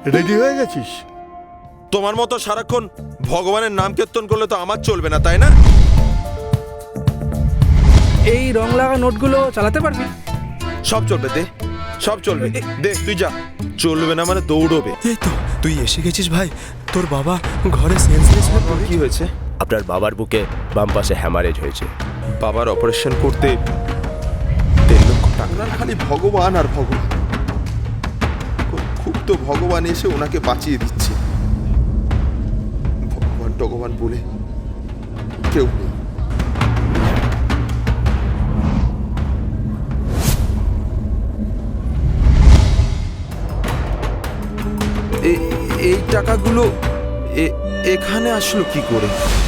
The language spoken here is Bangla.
রেডি হয়ে গেছিস? তোমার মতো সারাক্ষণ ভগবানের নাম কীর্তন করলে তো আমার চলবে না, তাই না? এই রং লাগা নোটগুলো চালাতে পারবি? সব চলবে, দে, সব চলবে, দে তুই যা। চলবে না মানে দৌড়বে। এই তো তুই এসে গেছিস ভাই। তোর বাবা ঘরে সেন্সলেস হয়ে পড়ে। কি হয়েছে? আপনার বাবার বুকে বাম পাশে হ্যামারেজ হয়েছে। বাবার অপারেশন করতে 1.5 লক্ষ টাকা। ওনার খালি ভগবান আর ভগবান। খুব তো ভগবান এসে ওনাকে বাঁচিয়ে দিচ্ছে। ভগবান ভগবান বলে কেউ নেই। এই টাকাগুলো এখানে আসলো কি করে?